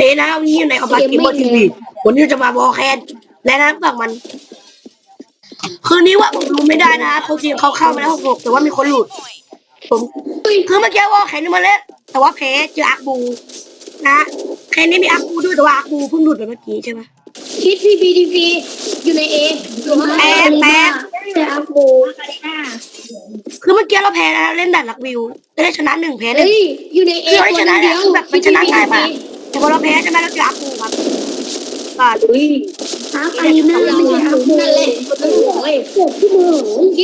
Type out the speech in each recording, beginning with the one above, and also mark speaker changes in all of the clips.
Speaker 1: นะวันนี้อยู่ในอบัตเกมเมอร์ทีวีวันนี้จะมาบอแคนและนะฝั่งมันคืนนี้ว่าผมรู้ไม่ได้นะเขาจริงเขาเข้ามาแล้ว6แต่ว่ามีคนหลุดผมคือเมื่อกี้ว่าแคนนี่มาเล่นแต่ว่าแพ้เจออาร์บูนะแคนนี่มีอาร์บูด้วยแต่ว่าอาร์บูเพิ่งหลุดไปเมื่อกี้ใช่ไหม
Speaker 2: คิดทีพีอยู่ในเออยู่ข้าง
Speaker 1: แพ้
Speaker 2: แต่อาโบ
Speaker 1: คือเมื่อกี้เราแพ้นะเล่นด่านลักวิวได้ชนะ1แพ้1
Speaker 2: อยู่ในเอ
Speaker 1: คนเดียวแบบมันชนะง่ายมากแต่พอเราแพ้ใช่ไหมเราเจออาร์บูครับ
Speaker 2: อาร์อารีนาไม่ใช่อาโบนั่นแหละเจ็บที่มือคิด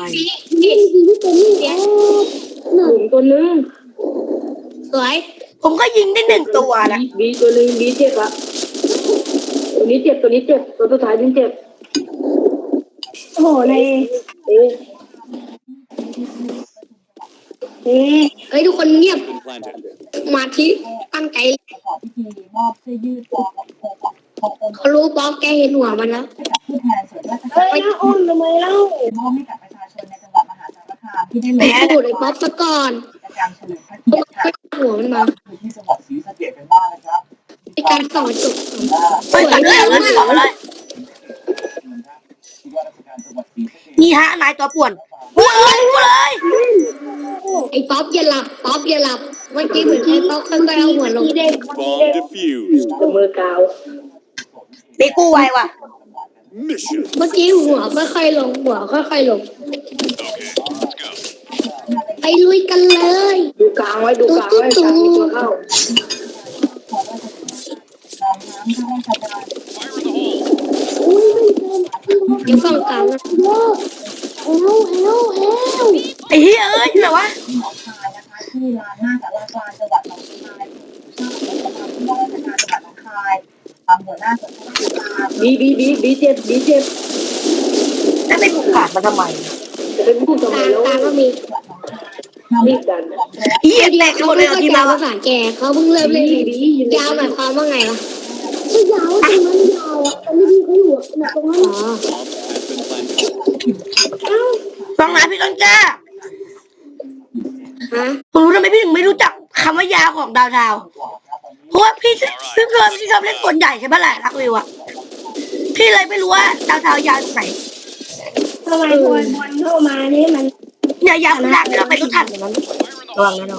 Speaker 2: ทีตัวนึงสวย
Speaker 1: ผมก็ยิงได้1ตัวนะ
Speaker 3: บีตัวนึงบีเจ็บอะตัวนี้เจ็บตัวสุดท้ายนี่เจ็บ
Speaker 2: โอ้โหในเฮ้ยทุกคนเงียบมาที่ตั้งใจเขารู้ป๊อกแกเห็นหัวมันแล้ว
Speaker 3: ไปอ้นทำไมเล่า
Speaker 2: ไปพูดไอ้ป๊อกซะก่อนหัวมันมาในการสอนจบ
Speaker 1: ไปตัดเลยเลยนี่ฮะนายตัวป่วนพูดเลย
Speaker 2: ไอ้ป๊อปอย่าหลับเมื่อกี้เหมือนไอ้ป๊อปค่อยๆเอาหัวลง
Speaker 3: มือกาว
Speaker 1: ตีกู้ไวว่ะ
Speaker 2: เมื่อกี้หัวค่อยๆลงไปลุยกันเลย
Speaker 3: ดูกลางไว้กลางมีตัวเข้า
Speaker 2: เดี๋ยวฟังกลาง
Speaker 1: ไอ้เฮ้ยอยู่ไหนวะ
Speaker 3: บีเจ็บ
Speaker 1: นั่นไม่ผูกขาดมาทำไม
Speaker 3: จะเป็นผู้ทำไมแล้ว
Speaker 2: ก็มี
Speaker 3: รีบดัน
Speaker 1: เฮียแตกหมดเลยทีมา
Speaker 2: ภาษาแกเขาเพิ่งเริ่มเล่นยาวหมายความว่าไงวะยาวตรงนั้นยาวตอนนี้เขาอยู่ตรงนั้น
Speaker 1: ฟังนะพี่ต้นกล้าผมรู้ทำไมพี่ถึงไม่รู้จักคำว่ายาวของดาวเพราะว่าพี่ชอบเล่นกลใหญ่ใช่ไหมล่ะรักวิวอะพี่เลยไม่รู้ว่าดาวยาวไหน
Speaker 2: ทำไมบอลเข้ามานี่มัน
Speaker 1: เนี่ยยาวขนาดที่เราไปรู้ทันอย่างนั้นระวังนะ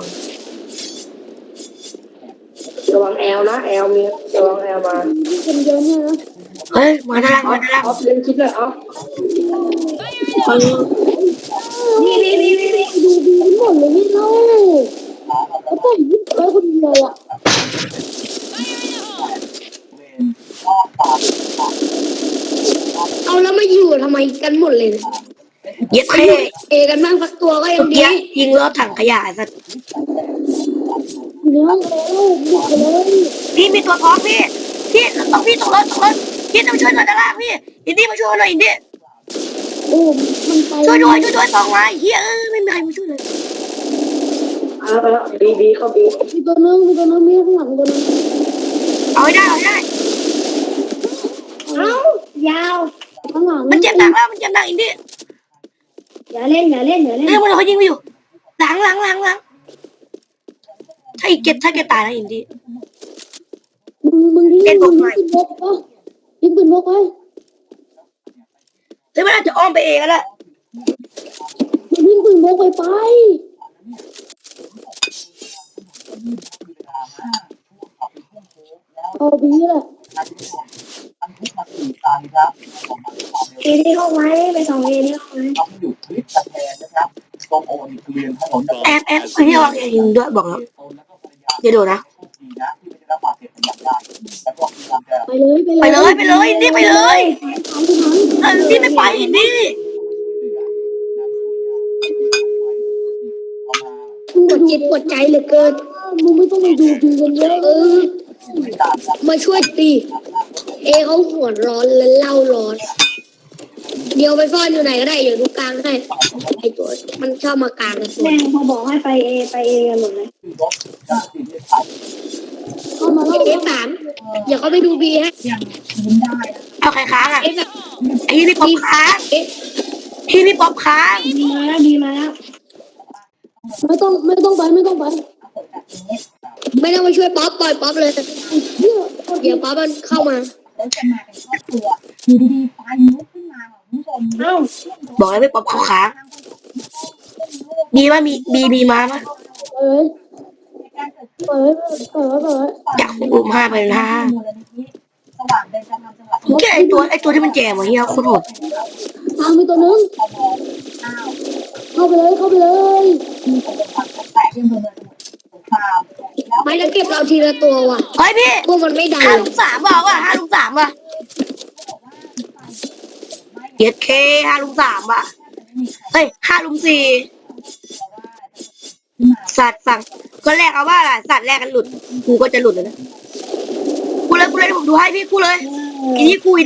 Speaker 3: ระวังแอลนะแอลมีระวังแอลมา
Speaker 2: เป็นเยอะเนี่ย
Speaker 1: เฮ้ยมาด้านล่าง
Speaker 3: ออฟเล่นคิดเลยออฟ
Speaker 2: นี่ดูหมดเลยนี่เล่าแล้วก็ยิ้มคนเดียวอ่ะเอาแล้วมาอยู่ทำไมกันหมดเลย
Speaker 1: เย็บ
Speaker 2: เอกันบ้างสักตัวก็ยังดี
Speaker 1: ยิงรถถังขยะสัตว์พี่มีตัวท้องพี่ต้องพี่ตกรถพี่ต้องช่วยหน่อยด้านล่างพี่อินดี้มาช่วยหน่อยอินดี้
Speaker 2: โอ้มันไป
Speaker 1: ช่วยด้วย2ไม้เฮียไม่มีใครมาช่วยเลย
Speaker 3: บีเข้าบี
Speaker 2: มีตัวนึงมีข้างหลังตัวนึง
Speaker 1: เอาให้ได้
Speaker 2: ยาวข้างหลัง
Speaker 1: มันเจ็บหนักแล้วมันเจ็บหนักอินดี้
Speaker 2: อย่าเล่นมัน
Speaker 1: เขายิงไปอยู่หลังถ้าเก็บตายนะอินดี้
Speaker 2: มึงที่ยิงปืนบกไว้
Speaker 1: แต่มันอาจจะอ้อมไปเองก็ได้
Speaker 2: ยิงปืนบกไปเอาบีแหละเอที่เข้าไว้ไป2เอที่เข้าไว้
Speaker 1: แอบพี่วางยิงด้วยบอกแล้วอย่าดูนะ
Speaker 2: ไปเลย
Speaker 1: อินดี้ไปเลยนี่ไม่ไปอินดี้
Speaker 2: ปวดจิตปวดใจเหลือเกินมึงไม่ต้องไปดูกันเยอะมาช่วยตีเอเขาหัวร้อนและเล่าร้อนเดี๋ยวไปซ่อนอยู่ไหนก็ได้อยู่ตรงกลางให้ไอตัวมันชอบมากลางเลยแม่พอบอกให้ไปเอกันหมดเลยเข้ามาเอ3อย่าเขาไปดูบีฮะ
Speaker 1: เอาใครค้างอ่ะไอ้นี่ป๊อปค้างที่นี่ป๊อปค้าง
Speaker 2: ดีมาแล้วไม่ต้องไปไม่ต้องมาช่วยป๊อปปล่อยป๊อปเลยเดี๋ยวป้ามันเข้ามา
Speaker 4: แล้วจะมาเป็นครอบครัวอยู่ดีๆไฟลุกขึ้นมาค่ะคุณผู้ชม
Speaker 3: เอ้า
Speaker 1: บอกแล้วไม่ป๊อปเขาค้างมีว่ามีมาปะ
Speaker 3: เอ้ย
Speaker 4: ในการเกิดขึ้น
Speaker 3: เปิด
Speaker 1: อยากอุ้ม5 ไปนะ
Speaker 4: มูลนิธิสว่างเบญจธรรมจังหวัด
Speaker 1: แกไอตัวที่มันแจมวะเฮียโคตรโหด
Speaker 3: ทางมีตัวนึงเข้าไปเลย
Speaker 4: มีคนเป็นความแตกที่อำเภอเมืองสมุทรสงครามแล้ว
Speaker 2: ไม่แล้วเก็บเราทีละตัวว่ะ
Speaker 1: เฮ้ยพี่
Speaker 2: พวกมันไม่ดัง
Speaker 1: 5
Speaker 2: เลย
Speaker 1: ลุม 3บอกว่า5 ลุม 3ว่ะเย็ดเค5 ลุม 3ว่ะเฮ้ย5 ลุม 4สัตว์สั่งก็แรกเอาว่าอะไรสัตว์แรกกันหลุดกูก็จะหลุดเลยนะกูเลยผมดูให้พี่กูเลยอินดี้กู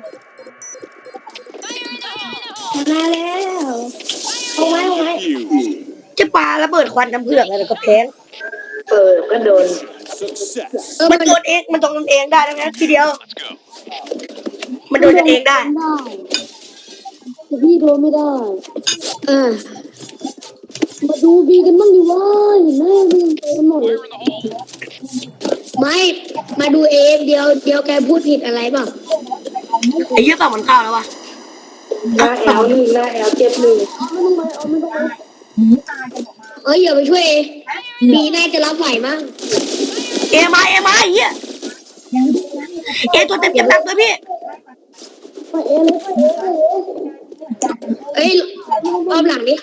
Speaker 2: มาแล้วเอาไว้
Speaker 1: จะปาระเบิดควันน้ำเผือกอะไรก็แพง
Speaker 3: ก็โดน
Speaker 1: มันโดนเองมันโดนเองได้แล้วนะทีเดียว มันโดนกันเองได้
Speaker 3: แต่พี่โดนไม่ได้
Speaker 2: เออ
Speaker 3: มาดูบีกันบ้างดิว่าเห็นไหมมันยังเต็มหมดเลย
Speaker 2: ไม่มาดูเอเดียวแกพูดผิดอะไรเปล่า
Speaker 1: ไอ้เหี้ยฝั่งมันเข้าแล้ววะ
Speaker 3: หน้าแอลเจ็บหนึ่ง
Speaker 2: เอ้ยอย่าไปช่วยเอบีน่าจะรับไหวมั้ง
Speaker 1: เอมาไอ้เหี้ยเอตัวเต็มหนักเลยพี่
Speaker 3: ไปเอเลย
Speaker 2: เอ้ยรอบหลังดิ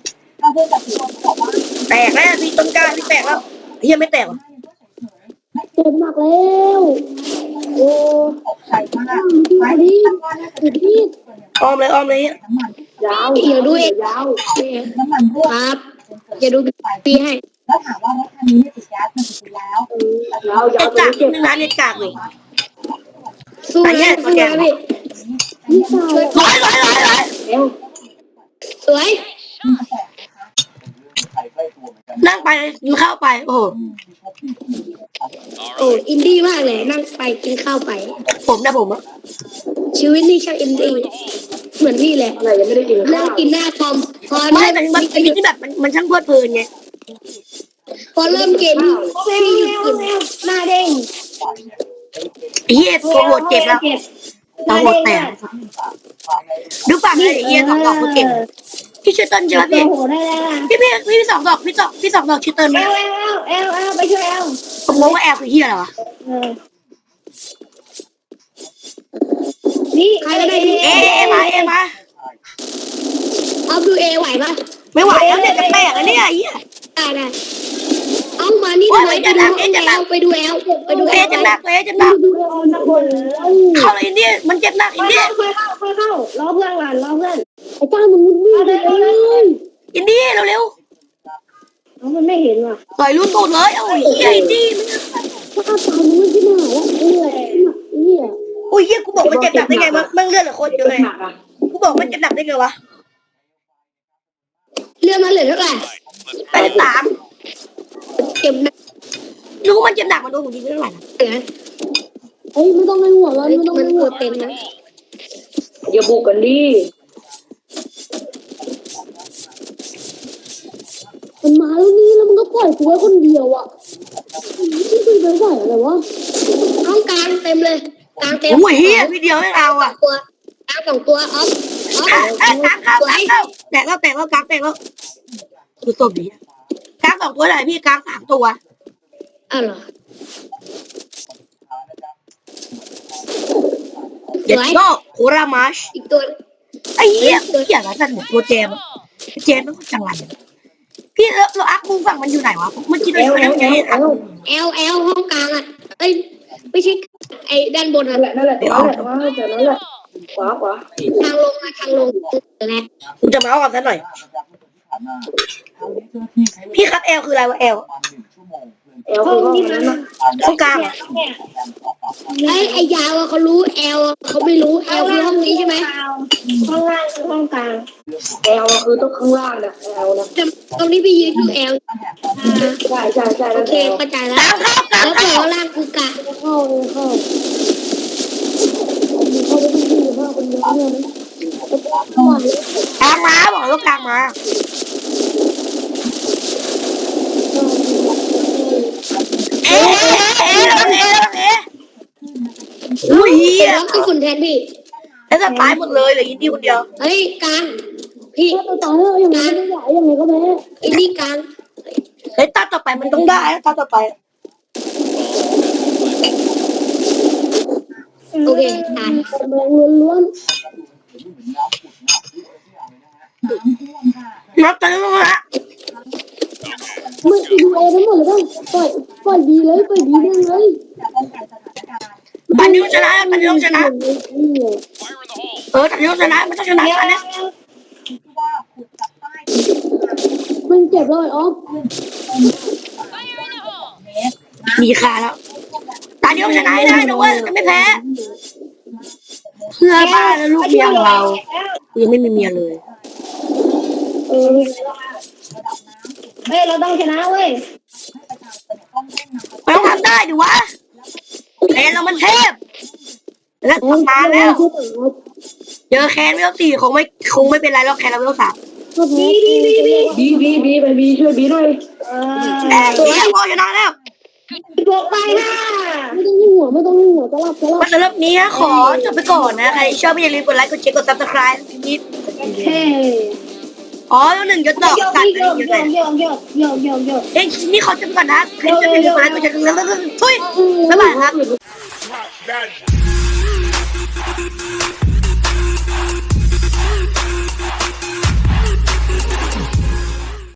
Speaker 1: แตกแล้วพี่ต้นกล้าพี่แตกแล้วไอ้เหี้ยไม่แตกวะ
Speaker 3: เจ็บหนักแล้วโอ้
Speaker 4: ใส่มาก
Speaker 3: ไปดิพี่
Speaker 1: อ้อมเลยเหี้ย
Speaker 3: ยาว
Speaker 2: อย่าดูเอย
Speaker 3: าว
Speaker 4: น้ำมันรั่ว
Speaker 2: ครับอย่าดูบีให้
Speaker 4: แล้วถามว่ารถคันนี้เนี่ยติดแก๊สมากี่ปีแล้ว
Speaker 3: ยาว
Speaker 1: เน็ตกากนึงนะเน็ตกากเลย
Speaker 2: สู้นะพี่
Speaker 3: พี่สาว
Speaker 1: ร้อย
Speaker 3: เอว
Speaker 2: สวย
Speaker 1: นั่งไปกินข้าวไปโอ้โห
Speaker 2: โอ้อินดี้มากเลยนั่งไปกินข้าวไป
Speaker 1: ผมอะ
Speaker 2: ชีวิตนี่ช่างอินดี้เหมือนพี่แหละ
Speaker 3: อะไรยังไม่ได้กิน
Speaker 2: เลิ
Speaker 3: ข้าก ว
Speaker 2: กินหน้าคอมพอ
Speaker 1: ไม่
Speaker 2: เริ่ม
Speaker 1: มันเป็นที่แบบมันช่างเพลิดเพลินไง
Speaker 2: พอเริ่มเกมพี่หยุดกินหน้าเด้ง
Speaker 1: ไอ้เหี้ยตัวโหดเจ็บแล้วตัวโหดแตกดูฝั่งเลยไอ้เหี้ย2 ดอกเขาเก่งพี่ชื่อเติ้ลใช่ไหมพี่
Speaker 2: โอ้โหได้แล้ว
Speaker 1: พี่2 ดอกพี่2 ดอกชื่อเติ้ลไหม
Speaker 2: เอลไปช่วยเอล
Speaker 1: ผมงงว่าแอลคือเหี้ยอะไรวะ
Speaker 2: นี่ใครก็ได้ดู
Speaker 1: เอมา
Speaker 2: เอาดูเอไหวปะ
Speaker 1: ไม่ไหวแล้วเนี่ยจะแตกแล้วเนี่ยไอ้เหี้ย
Speaker 2: ได้เอามานี่ทำไมไปดูเอล
Speaker 1: เอจะหนัก
Speaker 3: ดูเอวนักบอล
Speaker 1: เข้าเลยอินดี้มันเจ็บหนักอินดี้
Speaker 3: ค่อยเข้ารอเพื่อนก่อนรอเพื่อนไอ้จ้ามันมุดวิ่งเลย
Speaker 1: อินดี้เร็ว
Speaker 3: มันไม่เห็นว่ะ
Speaker 1: ๆต่อยลูกตูดเลยโอ้ยเหี้ยอินดี้
Speaker 3: ถ้าตายมันไม่ใช่หนาแล้วเนี่ย
Speaker 1: โอ้ยเหี้ยกูบอกมันเจ็บหนักได้ไงมันเลือดเหลือโคตรเยอะเลยกูบอกมันเจ็บหนักได้ไงวะ
Speaker 2: เรื่องมันเหลือเท่าไหร่
Speaker 1: 83
Speaker 2: เก็บหนัก
Speaker 1: รู้มันเจ็บหนักมันโดนผมยิงเท่าไหร่
Speaker 2: เหลือ
Speaker 3: เฮ้ยไม่ต้องในหัวเรา
Speaker 2: มัน
Speaker 3: ไม่ต้องใน
Speaker 2: ตั
Speaker 3: หั
Speaker 2: ว
Speaker 3: ว
Speaker 2: เต็มนะ
Speaker 3: อย่าบุกกันดิมันมาแล้วนี่แล้วมันก็ปล่อยกูไว้คนเดียวอ่ะไม่คุยไปไหวอะไรวะ
Speaker 2: ห้องกลางเต็มเลยกลางเต็ม
Speaker 1: โอ้ยเหี้ยพี่เดียวไม่เอาอ่ะ
Speaker 2: ตัวกลาง2 ตัวออฟ
Speaker 1: กลางเข้าแตกแล้วกลางแตกแล้วดูศพดิกลาง2 ตัวไหนพี่กลาง3 ตัว
Speaker 2: อ้าวเหรอ
Speaker 1: เด็ดโลกโครามาช
Speaker 2: อีกตัว
Speaker 1: ไอ้เหี้ยอะไรสั่นหมดตัวเจมมันก็จังไรพี่เราอักมุงฝั่งมันอยู่ไหนวะเมื่อกี้เราอยู่ไหน
Speaker 2: เอลห้องกลางอ่ะเอ้ยไม่ใช่ไอ้ด้านบนอ่ะ
Speaker 3: นั่นแหละขวา
Speaker 2: ทางลงแหละ
Speaker 1: กูจะมาเอาก่อนซะหน่อยพี่ครับเอลคืออะไรวะเอล
Speaker 3: เอวคือห้องนั้นนะ
Speaker 1: ห้องกลาง
Speaker 2: ไอ้ยาวเขารู้เอลเขาไม่รู้เอลคือห้องนี้ใช่ไหม
Speaker 3: ห้องล่างคือห้องกลางเอวคือต้องข้างล่างนะเอวนะ
Speaker 2: ตรงนี้ไปยืนดูเอล
Speaker 3: ใช่
Speaker 2: โอเคเข้าใจแล้วแล้วตัวล่างคือกะ
Speaker 3: เข้าเข้าไปดูว่าคนเยอะเนี่ยนะ
Speaker 1: กลางมาบอกแล้วกลางมาเอ
Speaker 2: รับกระสุนแทนพี่
Speaker 1: แล้วจะตายหมดเลยเหลืออินดี้คนเดียว
Speaker 2: เฮ้ยกลางพี่
Speaker 3: ถ้าตายแล้วยังไงไม่ไหวยังไงก็แพ้
Speaker 2: อินดี้กลาง
Speaker 1: เฮ้ยตาต่อไปมันต้องได้นะตาต่อไป
Speaker 2: โอเคตาย
Speaker 3: แรงล้วน
Speaker 1: นับไปแล้วนะ
Speaker 3: ๆไม่ดูเอทั้งหมดเลยบ้างปล่อยดีเลยปล่อยดีเลย
Speaker 1: ปันยุชนะปันยุชนะปันยุชนะมันต้องชนะอันนี้
Speaker 3: มันเจ็บเลยออฟ
Speaker 1: มีค่าแล้วตาเดียวชนะให้ได้นะเว้ยจะไม่แพ้เพื่อบ้านและลูกเมียของเรายังไม่มีเมียเลย
Speaker 3: เฮ้ยเราต้องชนะเว้ย
Speaker 1: มันต้องทำได้ดิวะแคนเรามันเทพแล้วมาแล้วเจอแคนไม่ต้อง4คงไม่เป็นไรหรอกแคนเราไม่ต้อง3
Speaker 3: บีไปบีช่วยบีหน่อย
Speaker 1: แต่ตัวแรกพอชนะแล้ว
Speaker 3: บอกไปค่ะไม่ต้องยิงหัวจะรับ
Speaker 1: มาสำหรับนี้นะขอจบไปก่อนนะใครชอบอย่าลืมกดไลค์กดแชร์กด subscribe นิด
Speaker 3: เฮ้
Speaker 1: อ๋อแล้วหนึ่งยศดอกสัตว์อะไรอย่างเงี้ยเอ้ยนี่เขาจะไปก่อนนะใครชอบอย่าลืมกดไลค์กดแชร์แล้วทุยบ๊ายบายครับ